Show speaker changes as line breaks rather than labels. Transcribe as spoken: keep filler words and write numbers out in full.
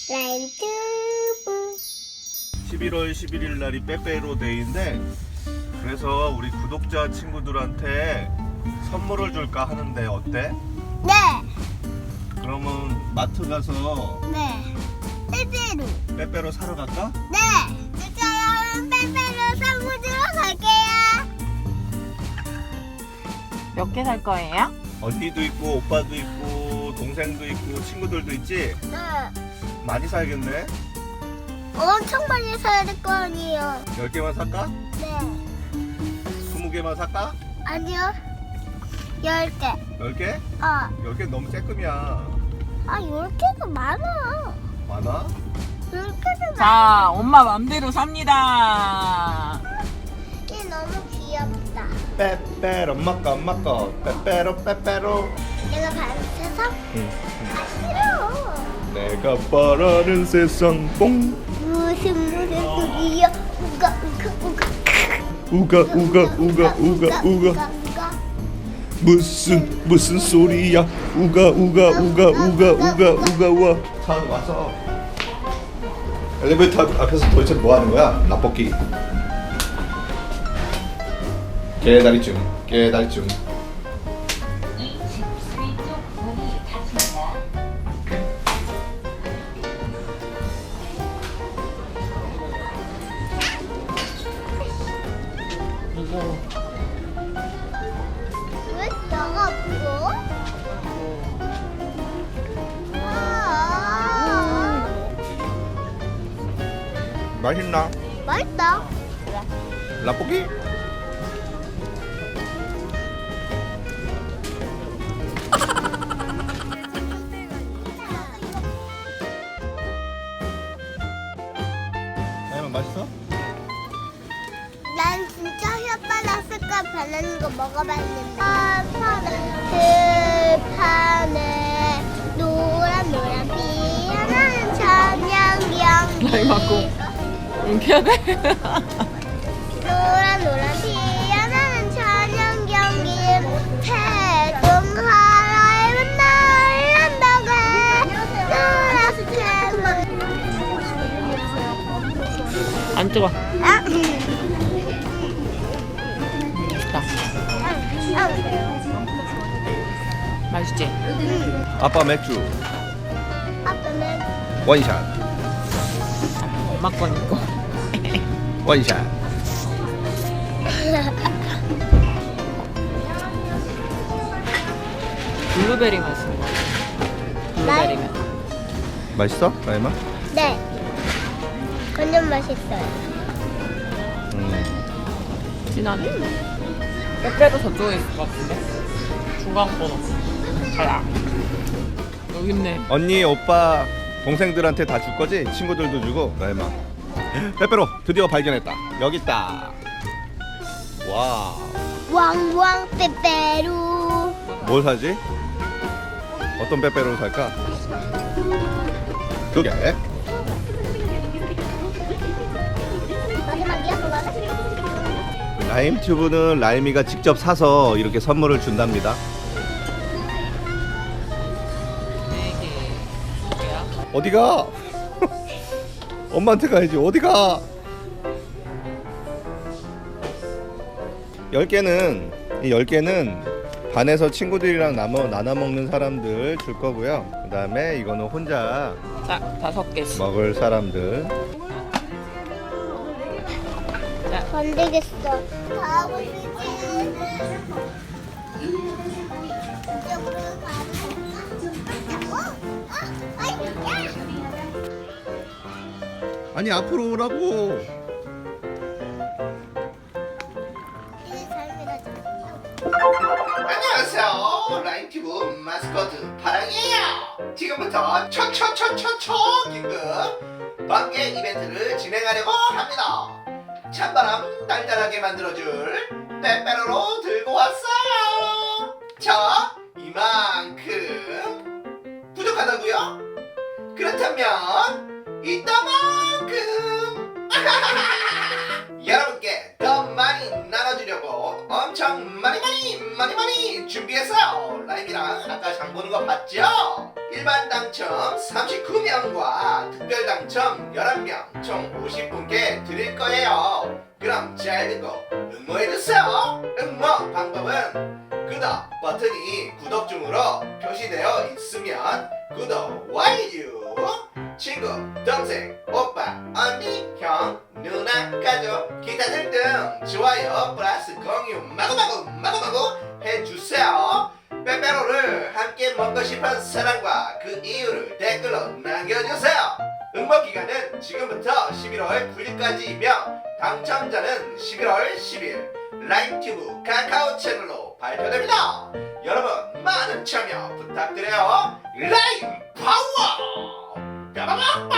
라인튜브.
십일월 십일일 날이 빼빼로 데이인데, 그래서 우리 구독자 친구들한테 선물을 줄까 하는데 어때?
네.
그러면 마트 가서
네. 빼빼로.
빼빼로 사러 갈까?
네. 그럼 빼빼로 선물 주러 갈게요.
몇 개 살 거예요?
언니도 있고 오빠도 있고 동생도 있고 친구들도 있지?
네.
많이 사야겠네.
엄청 많이 사야 될 거 아니에요.
열 개만 살까?
네.
스무 개만 살까?
아니요. 열 개.
열 개?
어.
열 개 너무 쬐끔이야.
아, 열 개가 많아.
많아?
열 개가 많아.
자, 엄마 맘대로 삽니다.
이게 너무 귀엽다.
빼빼로 엄마 거 엄마 거 빼빼로 빼빼로.
내가 반세서
응.
아 싫어.
내가 바라는 세상 뽕.
무슨 무슨 소리야? 우가 우가 우가
우가 우가 우가 우가 우가
우가.
무슨 무슨 소리야? 우가 우가 우가 우가 우가 우가 와. 차 와서 엘리베이터 앞에서 도대체 뭐 하는 거야? 라볶이. 깨다리쯤 깨다리쯤.
이거
왜 나가 없어? 아,
맛있나?
맛있다.
라볶이? 나이만 맛있어?
난 진짜 혓바닥 변하는 거 먹어봤는데 아, 파네 들판에 노란 노란 피어나는 천연경
나이 맞고 웅켜야 돼?
노란 노란 피어나는 천연경기 태동하라에 날란다게 노랗게
안 뜨거.
아,
맛있다. 맛있지?
아빠 맥주
아빠는
원샷
엄마 거니까.
원샷.
블루베리 맛있는 거. 블루베리면.
맛있어? 나이만?
네 완전 맛있어요.
음.
진하네. 빼빼로 저쪽에 있을 것 같은데? 중간 번호. 가라. 여기 있네.
언니, 오빠, 동생들한테 다 줄 거지? 친구들도 주고. 나이만. 빼빼로 드디어 발견했다. 여기 있다. 와.
왕왕 빼빼로.
뭘 사지? 어떤 빼빼로를 살까? 두 개.
마지막이야 그거는?
라임튜브는 라임이가 직접 사서 이렇게 선물을 준답니다.
네 개. 뭐야?
어디가? 엄마한테 가야지. 어디가? 열 개는 이 열 개는 반에서 친구들이랑 나눠 나눠 먹는 사람들 줄 거고요. 그다음에 이거는 혼자
자, 다섯 개씩.
먹을 사람들.
안 되겠어. 가고 싶지. 이쪽으로 가볼까? 어? 어? 아이, 야!
아니 앞으로 오라고.
내 삶이라 좀.
안녕하세요. 라임튜브 마스코트 파랑이에요. 지금부터 초초초초초 긴급 번개 이벤트를 진행하려고 합니다. 찬바람 달달하게 만들어줄 빼빼로로 들고 왔어요. 자, 이만큼 부족하다고요? 그렇다면 이따만큼 여러분께 더 많이 나눠주려고 엄청 엄청 많이 많이 많이 많이 준비했어요. 라임이랑 아까 장 보는 거 봤죠? 일반 당첨 삼십구 명과 특별 당첨 열한 명 총 오십 분께 드릴 거예요. 그럼 잘 듣고 응모해주세요. 응모 방법은 구독 버튼이 구독 중으로 표시되어 있으면 구독 완료. 친구, 동생, 오빠, 언니, 형, 누나, 가족, 기타 등등 좋아요 플러스 공유 마구마구 마구마구 해주세요. 빼빼로를 함께 먹고 싶은 사람과 그 이유를 댓글로 남겨주세요. 응모 기간은 지금부터 십일월 구일까지이며 당첨자는 십일월 십일 라임튜브 카카오 채널로 발표됩니다. 여러분 많은 참여 부탁드려요. 라임 파워! 빠바바바!